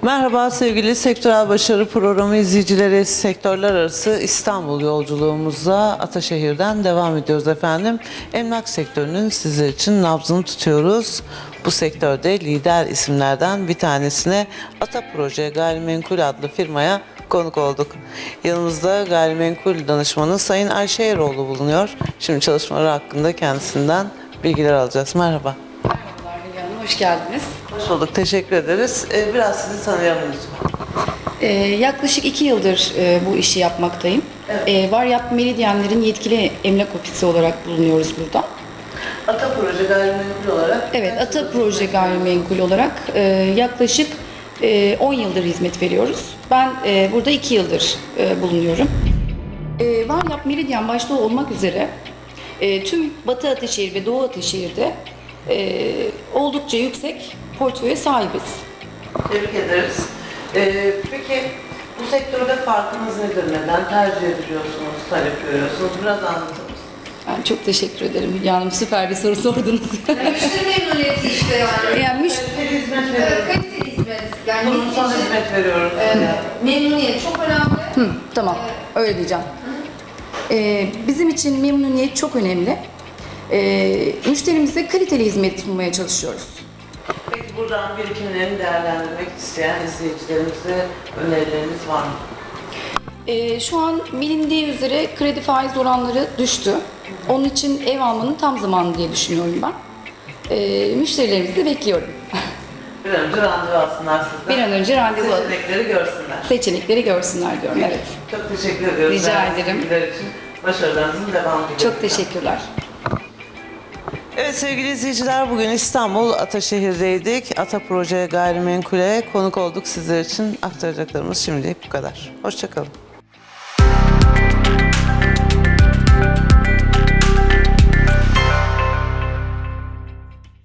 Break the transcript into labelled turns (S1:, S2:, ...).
S1: Merhaba sevgili Sektörel Başarı Programı izleyicileri, sektörler arası İstanbul yolculuğumuzda Ataşehir'den devam ediyoruz efendim. Emlak sektörünün sizler için nabzını tutuyoruz. Bu sektörde lider isimlerden bir tanesine Ata Proje Gayrimenkul adlı firmaya konuk olduk. Yanımızda gayrimenkul danışmanı Sayın Ayşe Eroğlu bulunuyor. Şimdi çalışmaları hakkında kendisinden bilgiler alacağız. Merhaba.
S2: Merhabalar Hülya Hanım, hoş geldiniz.
S1: Hoş bulduk, teşekkür ederiz. Biraz sizi tanıyalım lütfen.
S2: Yaklaşık 2 yıldır bu işi yapmaktayım.
S1: Evet.
S2: Varyap Meridyenler'in yetkili emlak ofisi olarak bulunuyoruz burada.
S1: Ata Proje Gayrimenkul olarak?
S2: Evet, Ata Proje Gayrimenkul olarak yaklaşık 10 yıldır hizmet veriyoruz. Ben burada 2 yıldır bulunuyorum. Varyap Meridyen başta olmak üzere tüm Batı Ataşehir ve Doğu Ataşehir'de oldukça yüksek portföye sahibiz.
S1: Tebrik ederiz. Peki bu sektörde farkınız nedir? Neden tercih ediliyorsunuz, talep görüyorsunuz? Biraz anlatır mısınız?
S2: Ben çok teşekkür ederim Hülya Hanım. Süper bir soru sordunuz.
S3: Müşteri memnuniyeti işte yani.
S2: Yani
S1: Kaliteli hizmet veriyoruz.
S3: Kaliteli hizmet. Yani
S1: Kurumsal hizmet veriyoruz.
S3: memnuniyet çok önemli.
S2: Tamam, öyle diyeceğim. Bizim için memnuniyet çok önemli. Müşterimize kaliteli hizmet sunmaya çalışıyoruz.
S1: Peki buradan birikimlerini değerlendirmek isteyen izleyicilerimize önerileriniz var mı?
S2: Şu an bilindiği üzere kredi faiz oranları düştü. Onun için ev almanın tam zamanı diye düşünüyorum ben. Müşterilerimizi de bekliyorum.
S1: Bir an önce randevu alsınlar sizden.
S2: Bir an önce randevu alın.
S1: Seçenekleri görsünler.
S2: Seçenekleri görsünler diyorum, evet.
S1: Çok teşekkür ediyoruz.
S2: Rica
S1: Değerli
S2: ederim.
S1: bilgiler için başarılarınızın devamı diliyorum.
S2: Çok teşekkürler.
S1: Evet sevgili izleyiciler, bugün İstanbul Ataşehir'deydik. Ata Proje Gayrimenkul'e konuk olduk. Sizler için aktaracaklarımız şimdilik bu kadar. Hoşça kalın.